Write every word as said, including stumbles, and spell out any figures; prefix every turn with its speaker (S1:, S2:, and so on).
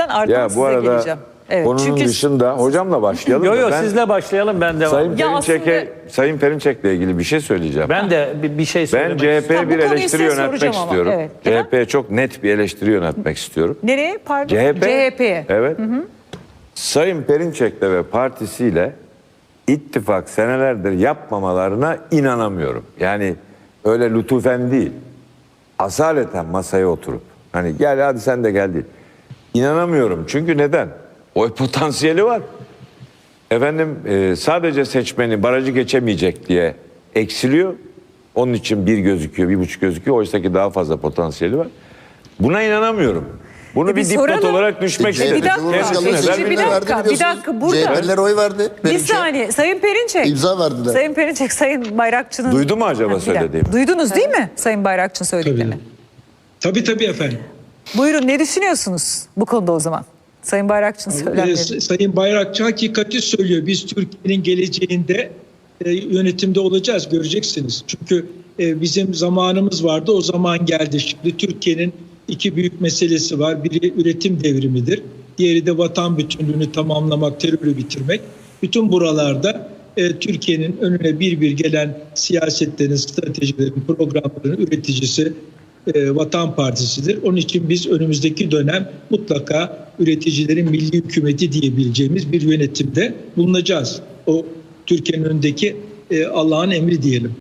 S1: ardından
S2: Ya bu
S1: size
S2: arada
S1: geleceğim. Evet,
S2: konunun
S1: çünkü
S2: dışında hocamla başlayalım.
S3: Yok
S2: da
S3: yok
S2: ben
S3: sizle başlayalım ben devam
S2: Sayın
S3: edeyim.
S1: Ya
S2: Perinçek'e,
S1: aslında-
S2: Sayın Perinçek'le ilgili bir şey söyleyeceğim.
S3: Ben de bir, bir şey
S2: Ben
S3: söylemek
S2: C H
S3: istiyorum.
S2: P'ye
S1: Ha, bu
S2: bir
S1: konuyu
S2: eleştiri
S1: size
S2: yöneltmek
S1: soracağım ama,
S2: istiyorum.
S1: evet.
S2: C H P'ye çok net bir eleştiri yöneltmek istiyorum.
S1: Nereye pardon?
S2: C H P,
S1: C H P'ye.
S2: Evet. Sayın Perinçek'le ve partisiyle ittifak senelerdir yapmamalarına inanamıyorum. Yani öyle lütufen değil. Asaleten masaya oturup hani gel hadi sen de gel değil. İnanamıyorum. Çünkü neden? Oy potansiyeli var. Efendim e, sadece seçmeni barajı geçemeyecek diye eksiliyor. Onun için bir gözüküyor, bir buçuk gözüküyor. Oysa ki daha fazla potansiyeli var. Buna inanamıyorum. Bunu
S1: E,
S2: bir
S1: bir
S2: dipnot
S1: soralım.
S2: olarak düşmek
S1: E, bir
S2: istedim.
S1: dakika,
S2: Kendisine
S1: seçici
S2: ver-
S1: bir
S4: bir
S1: dakika,
S4: dakika,
S1: bir dakika, burada-
S4: C H P'liler oy verdi.
S1: Bir
S4: Perinçek.
S1: saniye Sayın Perinçek.
S4: İmza verdiler.
S1: Sayın Perinçek, Sayın Bayrakçı'nın...
S2: Duydu mu acaba
S1: Ha, bir dakika.
S2: söylediğimi?
S1: Duydunuz değil mi Sayın Bayrakçı'nın söylediklerini?
S5: Tabii tabii efendim.
S1: Buyurun, ne düşünüyorsunuz bu konuda o zaman? Sayın Bayrakçı'nın
S5: Ee,
S1: söylemleri.
S5: Sayın Bayrakçı hakikati söylüyor. Biz Türkiye'nin geleceğinde e, yönetimde olacağız, göreceksiniz. Çünkü e, bizim zamanımız vardı, o zaman geldi. Şimdi Türkiye'nin iki büyük meselesi var. Biri üretim devrimidir. Diğeri de vatan bütünlüğünü tamamlamak, terörü bitirmek. Bütün buralarda e, Türkiye'nin önüne bir bir gelen siyasetlerin, stratejilerin, programların üreticisi e, Vatan Partisi'dir. Onun için biz önümüzdeki dönem mutlaka üreticilerin milli hükümeti diyebileceğimiz bir yönetimde bulunacağız. O Türkiye'nin önündeki e, Allah'ın emri diyelim.